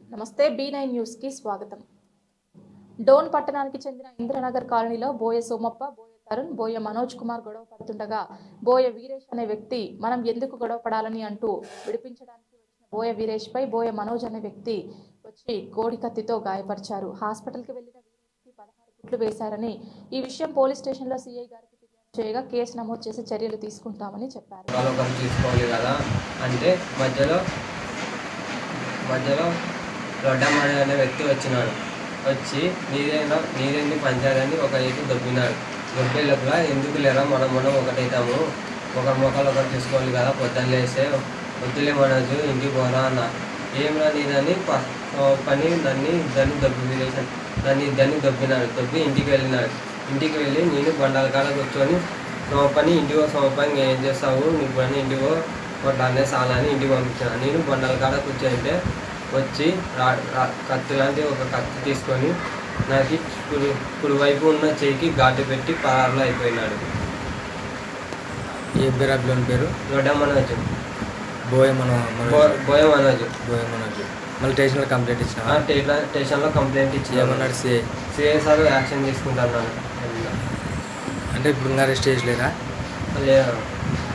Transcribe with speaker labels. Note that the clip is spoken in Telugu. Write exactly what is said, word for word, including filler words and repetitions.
Speaker 1: నమస్తే బీ నైన్ న్యూస్ కి స్వాగతం. డోన్ పట్టణానికి చెందిన ఇంద్రనగర్ కాలనీలో బోయ సోమప్ప, బోయ తరుణ్, బోయ మనోజ్ కుమార్ గొడవ పడుతుండగా బోయ వీరేష్ అనే వ్యక్తి మనం ఎందుకు గొడవ పడాలని అంటూ విడిపించడానికి వచ్చిన బోయ వీరేష్ పై బోయ మనోజ్ అనే వ్యక్తి వచ్చి కోడి కత్తితో గాయపరిచారు. హాస్పిటల్కి వెళ్లిన వీరేష్ కి పదహారు కుట్లు వేశారని, ఈ విషయం పోలీస్ స్టేషన్లో సీఐ గారికి ఫిర్యాదు చేయగా కేసు నమోదు చేసి చర్యలు తీసుకుంటామని చెప్పారు.
Speaker 2: తీసుకోవాలి కదా అంటే మధ్యలో మధ్యలో రొడ్డమ్మని అనే వ్యక్తి వచ్చినాడు. వచ్చి నీదేనా నీదేంది పంచాయతీ ఒక ఏది దొబ్బినాడు. దొబ్బే లోపల ఎందుకు లేరా మనం మనం ఒకటైతాము, ఒకరి మొక్కలు ఒకరు తీసుకోవాలి కదా, పొద్దున్న లేస్తే వద్దులే మనసు ఇంటికి పోరా అన్న. ఏమరా నీదని పని దాన్ని ఇద్దరిని దొబ్బి విరేసాను. దాన్ని ఇద్దరిని దొబ్బినాడు. దొబ్బి ఇంటికి వెళ్ళినాడు. ఇంటికి వెళ్ళి నేను బండాల కాడ కూర్చొని సోమపని ఇంటికో సోమపని ఏం చేస్తావు నీకు పని ఇంటికో కొట్టాలనే సాలని ఇంటికి పంపించాను. నేను బండాల కాడ కూర్చొని వచ్చి కత్తి లాంటి ఒక కత్తి తీసుకొని నాకు కుడి కుడివైపు ఉన్న చేయికి ఘాటు పెట్టి పరారులో అయిపోయినాడు.
Speaker 3: ఏ పేరు అభిలోని పేరు?
Speaker 2: రొడ్డ మనోజ్.
Speaker 3: బోయ మనో
Speaker 2: బోయ మనోజ్
Speaker 3: బోయ మనోజ్ మళ్ళీ స్టేషన్లో కంప్లైంట్ ఇచ్చిన
Speaker 2: స్టేషన్లో కంప్లైంట్ ఇచ్చి
Speaker 3: ఏమన్నాడు సిఐ?
Speaker 2: సిఐ సార్ యాక్షన్ తీసుకుంటున్నాను
Speaker 3: అంటే ఇప్పుడు అరెస్ట్ చేయలేదా?
Speaker 2: లేదా